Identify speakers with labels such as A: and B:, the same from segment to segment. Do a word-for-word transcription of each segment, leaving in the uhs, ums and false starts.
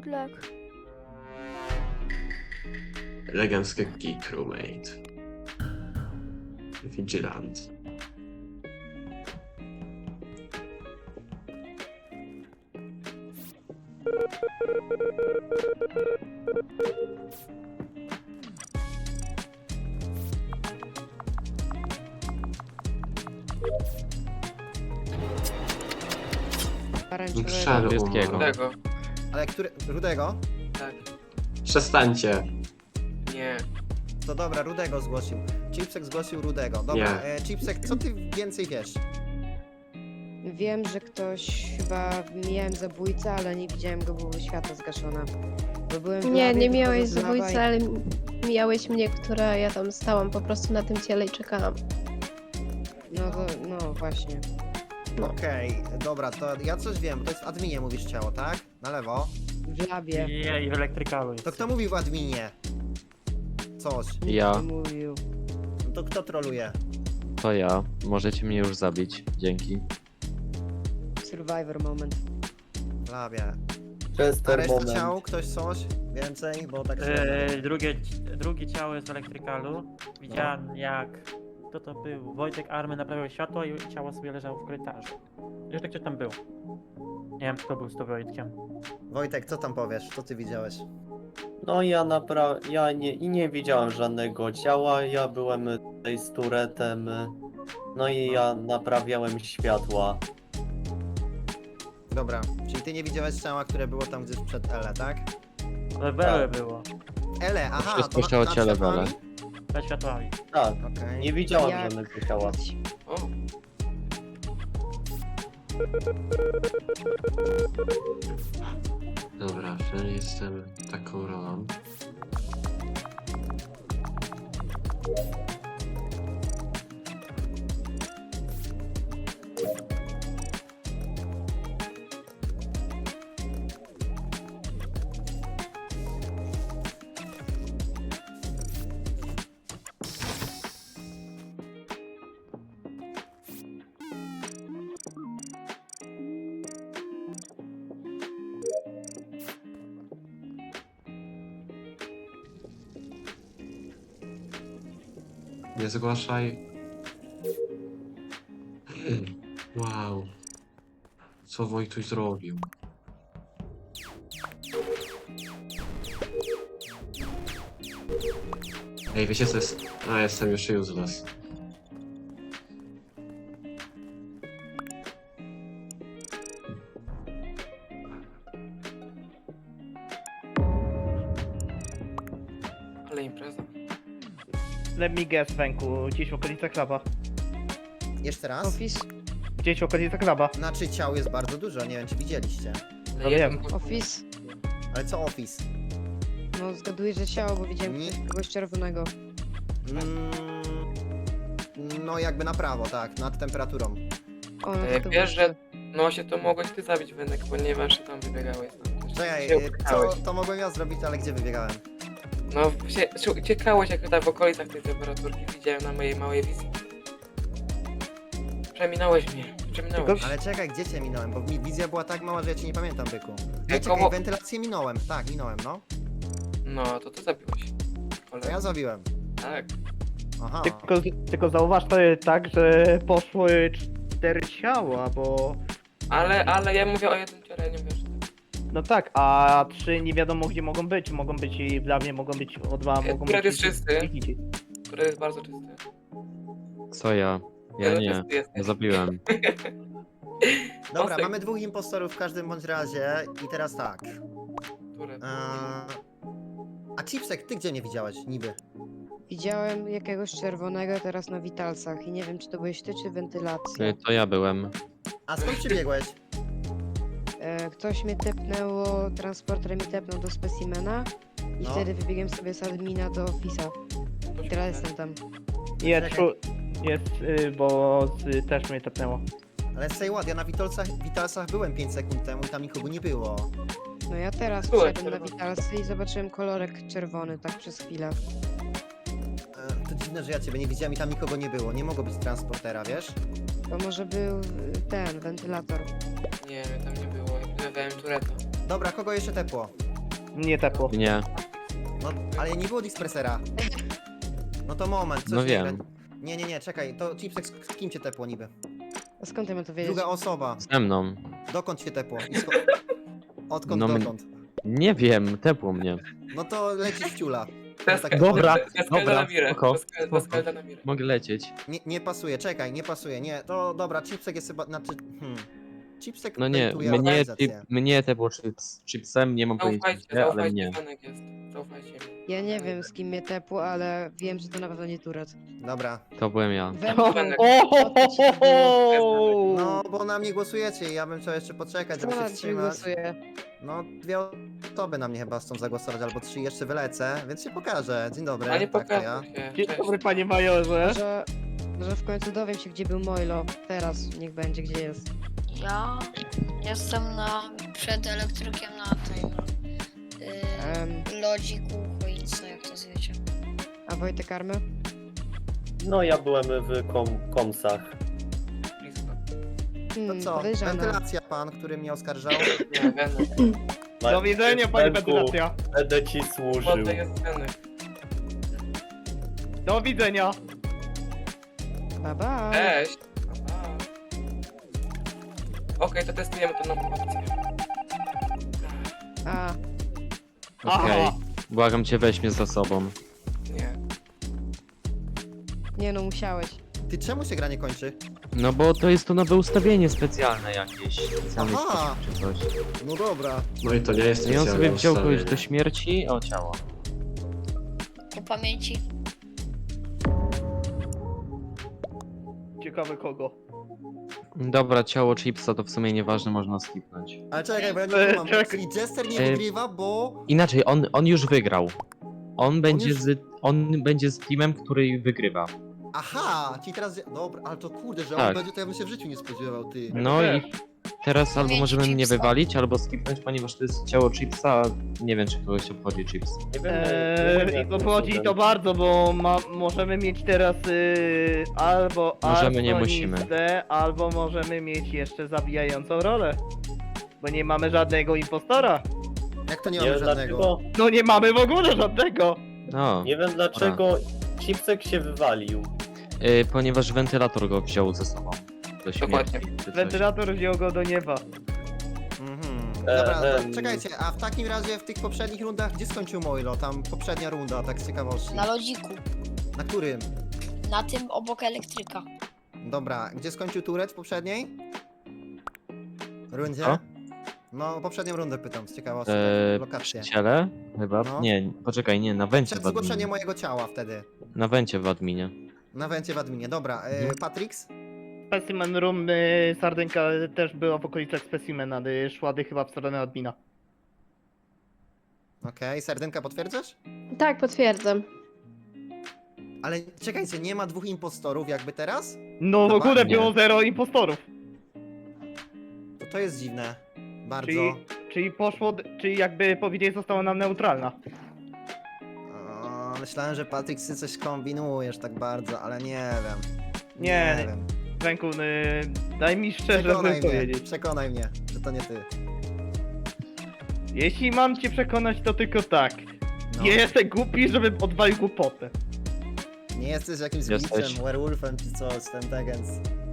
A: good luck.
B: Eleganckie geek roommate. Vigilant. Szary
C: Niebieskiego.
B: umarł.
D: Tego.
E: Ale który... Rudego?
D: Tak.
B: Przestańcie.
D: Nie.
E: To dobra, Rudego zgłosił. Chipsek zgłosił Rudego. Dobra,
B: Nie.
E: e, Chipsek, co ty więcej wiesz?
F: Wiem, że ktoś chyba miałem zabójcę, ale nie widziałem go, bo światło zgaszone. Bo byłem w
G: Nie,
F: labie,
G: nie
F: wychodzę
G: miałeś
F: z laba
G: zabójcy,
F: i-
G: ale mijałeś mnie, która ja tam stałam po prostu na tym ciele i czekałam.
F: No to, no właśnie.
G: No.
E: Okej, dobra, to ja coś wiem, bo to jest w adminie mówisz ciało, tak? Na lewo.
F: W labie.
H: Nie, i w elektrykalu.
E: To kto mówi w adminie? Coś.
F: Nikt
C: Ja.
F: nie mówił.
E: No to kto troluje?
C: To ja. Możecie mnie już zabić. Dzięki.
F: Survivor moment.
E: W labie. A
I: Chester
E: reszta
I: moment.
E: ciał? Ktoś coś? Więcej? Bo tak...
H: E, drugie, drugie ciało jest w elektrykalu. Widziałem jak... Kto to był? Wojtek Army naprawiał światło i ciało sobie leżało w korytarzu. Jeszcze ktoś tam był. Nie wiem, kto był z to Wojtkiem.
E: Wojtek, co tam powiesz? Co ty widziałeś?
I: No ja napra... ja nie, i nie widziałem żadnego ciała, ja byłem tutaj z turetem, no i ja naprawiałem światła.
E: Dobra, czyli ty nie widziałeś ciała, które było tam gdzieś przed Ele, tak?
H: Ale Wele było.
E: Ele, aha,
C: Wszystko
E: to
C: się o ciele Wele.
H: Za światłami.
I: Tak,
E: Okej.
I: nie widziałem
F: Jak-
I: żadnego ciała.
D: O.
B: Dobra, że jestem taką rolą. Nie zgłaszaj. Wow. Co Wojtuś zrobił? Ej, wiecie co jest? A, jestem już useless.
D: Ale impreza.
J: Let me guess, Węku, gdzieś w okolicach klaba.
E: Jeszcze raz?
F: Office?
J: Gdzieś w okolicach klaba.
E: Znaczy ciał jest bardzo dużo, nie wiem czy widzieliście.
D: Ale
J: No
D: jeden
J: wiem.
D: był-
F: Office?
E: Ale co office?
F: No zgaduję, że ciało, bo widziałem
E: Nie.
F: kogoś czerwonego.
E: Mm, no jakby na prawo, tak, nad temperaturą.
F: O, no
D: E,
F: to
D: wiesz,
F: było-
D: że no się to mogłeś ty zabić, Wynek, ponieważ tam wybiegałeś. Tam też
E: Czekaj,
D: się
E: y, co,
D: uciekałeś.
E: to mogłem ja zrobić, ale gdzie wybiegałem?
D: No się, się uciekałeś jak tak w okolicach tej temperaturki, widziałem na mojej małej wizji. Przeminąłeś mnie, przeminąłeś.
J: Tylko-
E: Ale czekaj, gdzie cię minąłem, bo mi wizja była tak mała, że ja cię nie pamiętam, byku. Nie,
D: Ej,
E: czekaj,
D: koło-
E: wentylację minąłem, tak, minąłem, no.
D: No, to ty zabiłeś.
E: To
D: Ale...
E: ja zabiłem.
D: Tak.
E: Aha.
J: Tylko, tylko zauważ to jest tak, że poszły cztery ciała, bo...
D: Ale, ale ja mówię o jednym ciele, nie wiesz.
J: No tak, a trzy nie wiadomo gdzie mogą być. Mogą być i dla mnie, mogą być o dwa,
D: E,
J: mogą
D: Turet
J: być...
D: jest czysty.
J: i- i-
D: Który jest bardzo czysty.
C: Co ja? Ja
D: Ale
C: nie.
D: czysty jesteś.
C: Ja zabiłem.
E: Dobra,
D: Osek.
E: mamy dwóch impostorów w każdym bądź razie i teraz tak.
D: Turet.
E: Eee... A Chipsek, ty gdzie mnie widziałeś, niby?
F: Widziałem jakiegoś czerwonego teraz na witalcach i nie wiem, czy to byłeś ty, czy wentylacja.
C: Y, To ja byłem.
E: A skąd przybiegłeś?
F: E, ktoś mnie tepnęło, transporter mi tepnął do specimena i
E: No.
F: wtedy wybiegłem sobie z admina do ofisa. I teraz jestem tam.
J: Jest,
E: Czekaj.
J: tru- jest y, bo z, też mnie tepnęło.
E: Ale say what, ja na Witalsach, Witalsach byłem pięć sekund temu i tam nikogo nie było.
F: No ja teraz
D: Byłeś
F: wszedłem na
D: czerwony.
F: witalcy i zobaczyłem kolorek czerwony, tak przez chwilę.
E: Eee, to dziwne, że ja ciebie nie widziałem i tam nikogo nie było. Nie mogło być transportera, wiesz?
F: To może był y, ten, wentylator.
D: Nie, tam nie było. Ja pilnowałem Tureta.
E: Dobra, kogo jeszcze tepło?
J: Nie tepło.
C: Nie.
E: No, ale nie było dispersera. No to moment, coś
C: No
E: nie
C: wiem.
E: gra- Nie, nie, nie, czekaj, to Chipsek, z z kim cię tepło niby?
F: A skąd ja mam to wiedzieć?
E: Druga osoba.
C: Ze mną.
E: Dokąd cię tepło? I sko- Odkąd
C: No, m-
E: dokąd?
C: Nie wiem, tepło mnie.
E: No to lecisz w ciula.
D: To jest
E: tak-
C: Dobra,
D: to jest Kelda
C: dobra,
D: na mirę.
C: spoko,
D: To jest Kel- to jest
C: spoko.
D: Kelda na mirę.
C: Mogę lecieć.
E: Nie, nie pasuje, czekaj, nie pasuje, nie. To dobra, Chipsek jest chyba, znaczy, hmm. Chipsek
C: No nie,
E: bejtuje
C: mnie,
E: organizację.
C: chip, mnie tepło chips, chipsem, nie mam pojęcia
D: Zaufajcie,
C: gdzie, ale
D: zaufajcie,
C: mnie.
D: Zenek jest. Zaufajcie mi.
F: Ja nie wiem z kim mnie tepło, ale wiem, że to na pewno nie Turet.
E: Dobra.
C: To byłem ja.
F: We
J: O,
F: mnie.
J: o, ho, ho, ho.
E: No, bo na mnie głosujecie i ja bym chciał jeszcze poczekać, żeby
F: Co
E: się
F: na ciebie
E: wstrzymać.
F: głosuje?
E: No, dwie osoby na mnie chyba chcą zagłosować, albo trzy, jeszcze wylecę, więc się pokażę. Dzień dobry,
D: A nie
E: tak to ja.
D: pokazuj się.
J: Dzień
D: Cześć.
J: dobry, panie majorze.
F: Może, może w końcu dowiem się, gdzie był Moilo. Teraz niech będzie, gdzie jest.
A: Ja jestem na, przed elektrykiem na tym
F: Em,
A: yy, lodziku, choince, jak to zwiecie.
F: a Wojtek Army?
I: No ja byłem w kom komsach.
D: Blisko.
E: To
F: Hmm,
E: co,
F: podejrzana.
E: wentylacja pan, który mnie oskarżał.
D: Nie, Zenek.
J: Do widzenia, panie
I: Zenku,
J: wentylacja.
I: Będę ci służył.
D: Młody jest Zenek.
J: Do widzenia.
F: Bye bye.
D: Cześć. Aha. Okej, to testujemy to nową opcję.
F: A,
C: Okej.
J: Aha.
C: Błagam cię, weź mnie za sobą.
D: Nie.
F: nie no, musiałeś.
E: Ty czemu się gra nie kończy?
C: No bo to jest to nowe ustawienie specjalne jakieś. Specjalny
E: Aha.
C: sposób czy coś.
E: No dobra.
B: No i to nie jest
C: I on sobie
B: specjalne
C: wziął kogoś
B: ustawienie.
C: do śmierci, o ciało.
A: Po pamięci.
J: Ciekawe kogo.
C: Dobra, ciało chipsa to w sumie nieważne, można skipnąć.
E: Ale czekaj, bo ja nie
J: E,
E: kumam.
J: czekaj.
E: Czyli Jester nie
C: E,
E: wygrywa, bo...
C: Inaczej, on, on już wygrał. On będzie,
E: już-
C: z, on będzie z teamem, który wygrywa.
E: Aha, czyli teraz... Dobra, ale to kurde, że on
C: Tak.
E: będzie, to ja bym się w życiu nie spodziewał, ty.
C: No i teraz albo
A: Mieć
C: możemy mnie
A: chipsa.
C: wywalić, albo skipnąć, ponieważ to jest ciało chipsa, a nie wiem, czy kogoś obchodzi chips.
I: Nie wiem, nie wiem,
J: Eee,
I: jak
J: I
I: to
J: obchodzi
I: cudem.
J: to bardzo, bo ma, możemy mieć teraz y, albo
C: Możemy, nie
J: arsonistę, albo możemy mieć jeszcze zabijającą rolę. Bo nie mamy żadnego impostora.
E: Jak to nie
I: Nie
E: mamy
I: wiem
E: żadnego?
I: dlaczego,
J: No nie mamy w ogóle żadnego.
C: No,
I: nie wiem dlaczego Chipsek się wywalił.
C: y, ponieważ wentylator go wziął ze sobą. Do śmierci,
D: Dokładnie.
C: czy coś.
J: Wentylator wziął go do nieba.
E: Mhm.
I: E,
E: Dobra, to
I: em.
E: czekajcie, a w takim razie w tych poprzednich rundach, gdzie skończył Moilo? Tam poprzednia runda, tak z ciekawości.
A: Na lodziku.
E: Na którym?
A: Na tym obok elektryka.
E: Dobra, gdzie skończył Turet w poprzedniej? Rundzie?
C: Co?
E: No, poprzednią rundę pytam, z ciekawości,
C: E,
E: tak,
C: przy
E: lokację.
C: ciele? Chyba?
E: No.
C: Nie, poczekaj, nie, na wencie
E: Przed
C: w adminie.
E: zgłoszeniem mojego ciała wtedy.
C: Na wencie w adminie.
E: Na wencie w adminie, dobra. E,
C: Mhm.
E: Patrix?
J: Specimen Room, y, Sardynka też była w okolicach Specimena, y, szła dy chyba w stronę admina.
E: Okej, Sardynka potwierdzasz?
G: Tak, potwierdzam.
E: Ale czekajcie, nie ma dwóch impostorów jakby teraz?
J: No w
E: Chyba
J: ogóle
C: nie.
J: było zero impostorów.
E: To to jest dziwne. Bardzo.
J: Czyli, czyli poszło, d- czyli jakby powiedzieć została nam neutralna.
E: O, myślałem, że Patrix, ty coś kombinujesz tak bardzo, ale nie wiem.
J: Nie,
E: nie wiem.
J: Ręku, y, daj mi szczerze
E: Przekonaj mnie,
J: powiedzieć.
E: przekonaj mnie, że to nie ty.
J: Jeśli mam cię przekonać, to tylko tak.
E: No.
J: Nie jestem głupi, żebym odwalił głupotę.
E: Nie jesteś jakimś
C: Jesteś.
E: glitchem, werewolfem czy coś, ten tegens.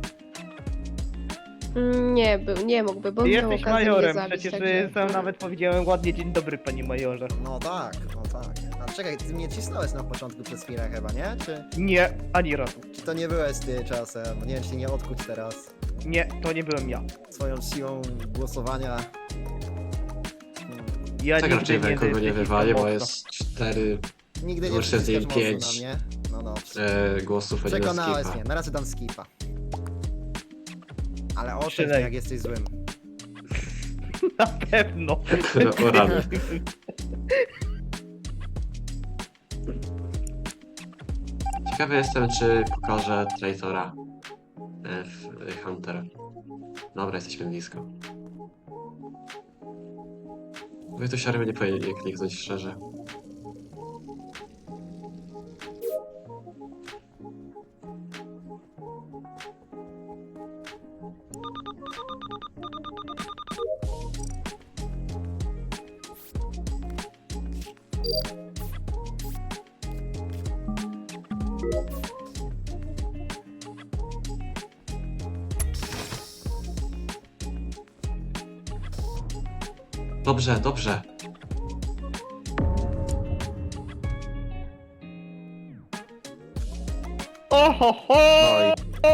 G: Mm, Nie był, nie mógłby, bo
J: Ty
G: miał
J: jesteś
G: okazję
J: majorem,
G: mnie zabić,
J: przecież
G: także...
J: y, sam nawet powiedziałem ładnie dzień dobry, panie majorze.
E: No tak, no tak. A czekaj, ty mnie cisnąłeś na początku przez chwilę chyba, nie? Czy,
J: Nie, ani razu.
E: czy to nie byłeś ty czasem? Nie wiem, czy nie odkuć teraz.
J: Nie, to nie byłem ja.
E: Swoją siłą głosowania. Hmm.
J: Ja
B: Tak raczej
J: nigdy
B: we kogo nie
J: nacisnął
B: wywali, bo
J: mocno.
B: jest cztery
E: Nigdy nie
B: Muszę z nim
E: przyciskasz
B: pięć.
E: mocno na mnie. No dobrze.
B: e, głosów, a nie na
E: Przekonałeś
B: skipa.
E: mnie, na razie dam skipa. Ale oszczędź
J: Przylej.
E: mnie, jak jesteś złym.
J: Na pewno.
B: O rany. Ciekawy jestem, czy pokaże Traitora e, w w Hunter. Dobra, jesteśmy blisko. Wy to siary nie powinien kliknąć szczerze. Dobrze, dobrze.
J: Oho, ho!
C: Oj.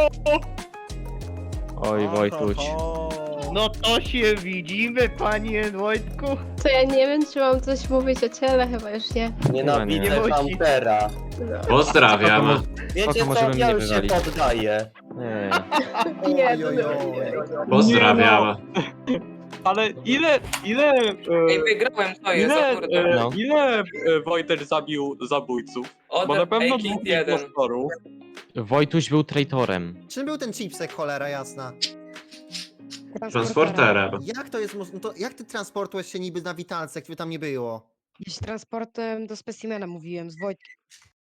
C: Oj, Wojtuś.
J: No to się widzimy, panie Wojtku.
G: To ja nie wiem, czy mam coś mówić o ciele, chyba już nie.
I: Nienawidzę
J: Nie musi.
I: Huntera.
G: No.
B: Pozdrawiam.
I: Wiecie
C: Spoko,
I: co,
C: możemy
I: ja
C: mnie
I: już się
C: wywalić.
I: poddaję.
C: Nie.
E: Oj, oj, oj.
B: Pozdrawiam.
K: Ale ile, ile, e,
D: Ej, wygrałem, to jest,
K: ile,
D: o kurde.
K: e,
C: No.
K: ile e, Wojtek zabił zabójców?
D: Od
K: Bo na pewno
D: Ej,
K: dwóch
D: jeden.
K: impostorów.
C: Wojtuś był traitorem.
E: Czym był ten chipsek, cholera jasna?
B: Transporterem.
E: Jak to jest moż- no to jak ty transportujesz się niby na witalce, jak ciebie tam nie było?
F: Gdzieś transportem do specimena mówiłem, z Wojtkiem.